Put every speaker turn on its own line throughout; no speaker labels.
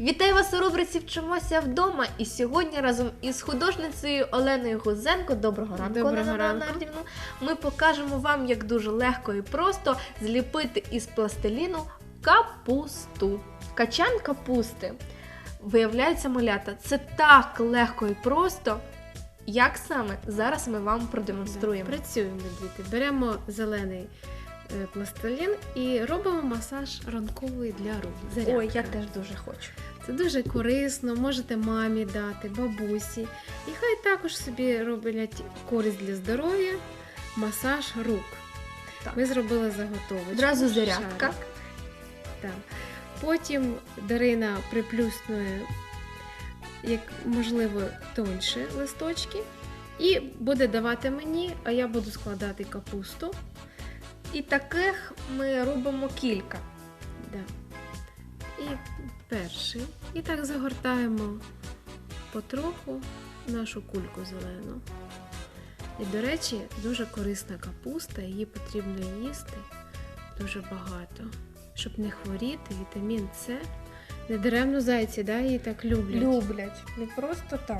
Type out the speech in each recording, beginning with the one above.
Вітаю вас у рубриці «Вчимося вдома». І сьогодні разом із художницею Оленою Гузенко, доброго ранку,
Доброго
Олена
ранку.
Леонардівна, ми покажемо вам, як дуже легко і просто зліпити із пластиліну капусту. Качан капусти. Виявляється, малята, це так легко і просто. Як саме? Зараз ми вам продемонструємо.
Працюємо, діти. Беремо зелений пластилін і робимо масаж ранковий для рук. Зарядка.
Ой, я теж дуже хочу.
Це дуже корисно, можете мамі дати, бабусі. І хай також собі роблять користь для здоров'я, масаж рук.
Так.
Ми зробили заготовочку.
Одразу зарядка.
шарик. Так. Потім Дарина приплюснує, як можливо, тоньше листочки. І буде давати мені, а я буду складати капусту.
І таких ми робимо кілька.
Да. І перший. І так загортаємо потроху нашу кульку зелену. І, до речі, дуже корисна капуста, її потрібно їсти дуже багато, щоб не хворіти. Вітамін С. Недаремно зайці, да, її так люблять.
Люблять. Не просто так.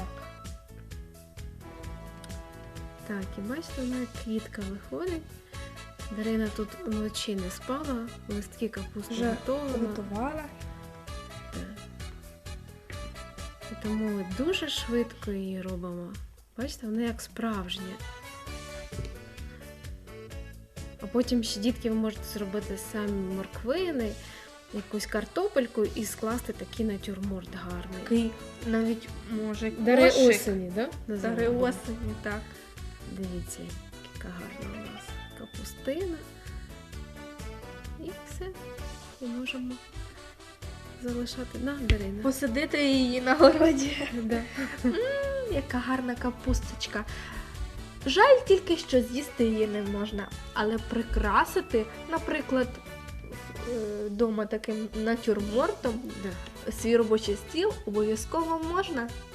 Так, і бачите, вона як квітка виходить. Дарина тут вночі не спала, листки капусти
Вже
готові.
готувала.
І тому ми дуже швидко її робимо. Бачите, вона як справжня. А потім ще, дітки, ви можете зробити самі морквини, якусь картопельку і скласти такий натюрморт гарний.
Такий навіть може
Дари
кошик.
осені, да?
Дари
називаємо?
осені, так.
Дивіться, яка гарна у нас капустина. І все. І можемо залишати на Дарина.
Посадити її на городі.
Да.
Яка гарна капусточка. Жаль тільки, що з'їсти її не можна, але прикрасити, наприклад, вдома таким натюрмортом
Да.
свій робочий стіл обов'язково можна.